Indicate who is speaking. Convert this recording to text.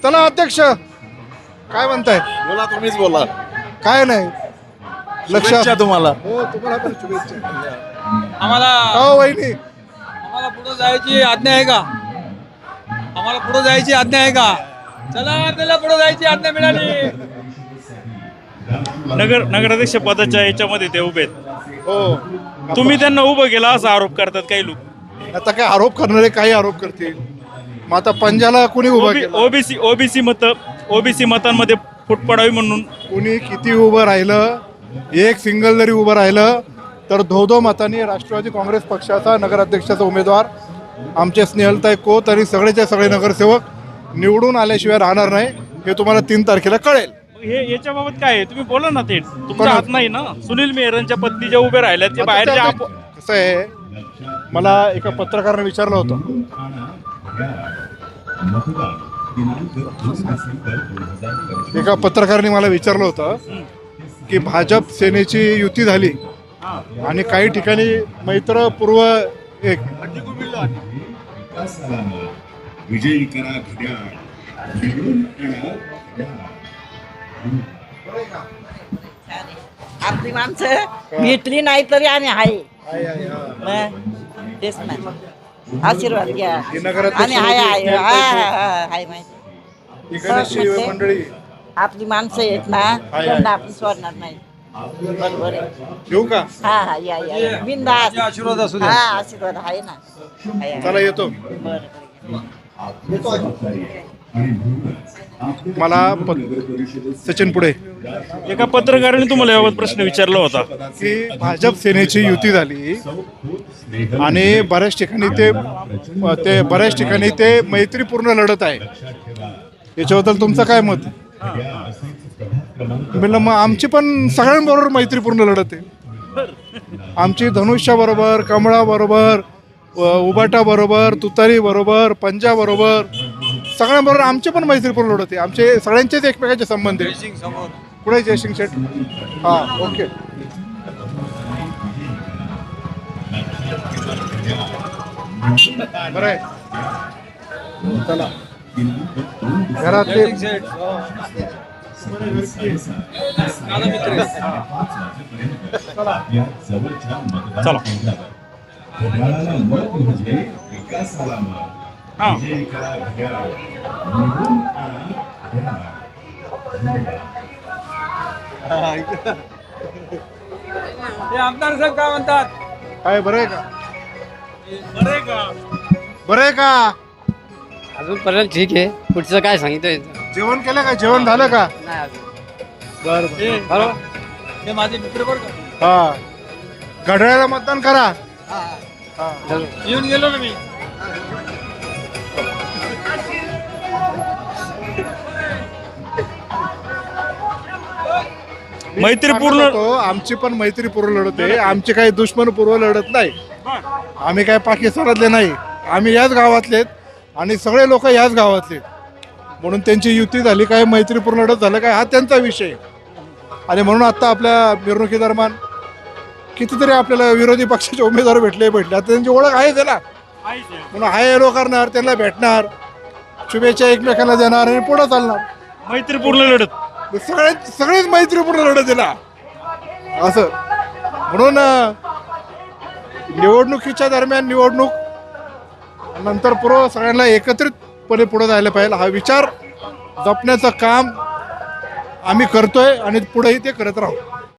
Speaker 1: चला अध्यक्ष काय म्हणताय?
Speaker 2: बोला, तुम्हीच बोला.
Speaker 1: काय नाही लक्षात
Speaker 2: शुभेच्छा तुम्हाला.
Speaker 1: हो तुम्हाला पण शुभेच्छा.
Speaker 3: आम्हाला
Speaker 1: हो वहिनी
Speaker 3: आम्हाला पुढे जायची आज्ञा आहे का? आम्हाला पुढे जायची आज्ञा आहे का? चला आपल्याला पुढे जायची आज्ञा मिळाली.
Speaker 4: नगराध्यक्ष पदाच्या याच्यामध्ये ते उभे आहेत.
Speaker 1: हो
Speaker 4: तुम्ही त्यांना उभं केला असा आरोप करतात काही लोक.
Speaker 1: आता काय आरोप करणारे काही आरोप करतील. मग आता पंजाला कोणी उभा केला?
Speaker 4: ओबीसी मतांमध्ये फूट पडावी म्हणून
Speaker 1: कोणी किती उभं राहिलं, एक सिंगल जरी उभं राहिलं तर 2-2 मतांनी राष्ट्रवादी काँग्रेस पक्षाचा नगराध्यक्षाचा उमेदवार आमचे स्नेहलताई कोत आणि सगळेचे सगळे नगरसेवक निवडून आल्याशिवाय राहणार नाही हे तुम्हाला 3 तारखेला कळेल.
Speaker 4: हे याच्याबाबत काय आहे तुम्ही बोला ना. ते तुमचा हात नाही ना. सुनील मेहरांच्या पत्नी ज्या उभ्या राहिल्या ते बाहेरच्या
Speaker 1: कसं आहे, मला एका पत्रकाराने विचारलं होतं मला विचारलं होतं की भाजप सेनेची युती झाली आणि काही ठिकाणी मैत्रपूर्व एक
Speaker 5: विजयी करा घड्याळ.
Speaker 6: आपली माणसं भेटली नाही तरी आणि आहे तेच ना. आशीर्वाद घ्या आणि हाय माहिती
Speaker 1: इकडची मंडळी
Speaker 6: आपली माणसं आहेत ना त्यांना आपण सोडणार नाही. बरोबर आहे.
Speaker 1: येऊ का?
Speaker 6: हा या बिनधास्त
Speaker 3: आशीर्वाद असू द्या.
Speaker 6: हा आशीर्वाद आहे ना.
Speaker 1: चला येतो.
Speaker 6: बरं
Speaker 1: मला सचिन पुढे
Speaker 4: एका पत्रकाराने तुम्हाला याबाबत प्रश्न विचारला होता
Speaker 1: की भाजप सेनेची युती झाली आणि बऱ्याच ठिकाणी ते मैत्रीपूर्ण लढत आहे, याच्याबद्दल तुमचं काय मत? म्हणलं मग आमची पण सगळ्यांबरोबर मैत्रीपूर्ण लढत आहे. आमची धनुष्याबरोबर, कमळाबरोबर, उबाटाबरोबर, तुतारीबरोबर, पंजाबरोबर सगळ्यांबरोबर आमची पण मैत्रीपूर्ण लढत आहे. आमचे सगळ्यांचेच एकमेकांचे संबंध आहे. पुढे जयसिंग शेठ. हां ओके. बरं आहे. चला घरातले
Speaker 4: चला.
Speaker 3: हे आमदार साहेब काय म्हणतात?
Speaker 1: काय बरं आहे का? बरं आहे का?
Speaker 7: अजूनपर्यंत ठीक आहे. पुढचं काय सांगितलं
Speaker 1: जेवण केलं का? जेवण झालं का?
Speaker 7: नाही अजून.
Speaker 1: बरं
Speaker 3: हे माझे मित्र बरं का?
Speaker 1: हा घड्याळाला मतदान करा.
Speaker 3: येऊन गेलो ना मी.
Speaker 4: मैत्रीपूर्ण
Speaker 1: आमची पण मैत्रीपूर्ण लढत आहे. आमची काही दुश्मनपूर्व लढत नाही. आम्ही काय पाकिस्तानातले नाही. आम्ही याच गावातलेत आणि सगळे लोक याच गावातले म्हणून त्यांची युती झाली, काय मैत्रीपूर्ण लढत झालं काय हा त्यांचा विषय. आणि म्हणून आता आपल्या मिरवणुकीदरम्यान कितीतरी आपल्याला विरोधी पक्षाचे उमेदवार भेटले. आता त्यांची ओळख आहे त्याला म्हणून हाय हॅलो करणार, त्यांना भेटणार, शुभेच्छा एकमेकांना देणार आणि पुढे चालणार.
Speaker 4: मैत्रीपूर्ण लढत
Speaker 1: सगळेच मैत्रीपूर्ण लढत दिला असं. म्हणून निवडणुकीच्या दरम्यान निवडणूक नंतर पूर्व सगळ्यांना एकत्रितपणे पुढे जायला पाहिजे हा विचार जपण्याचं काम आम्ही करतोय आणि पुढेही ते करत राहू.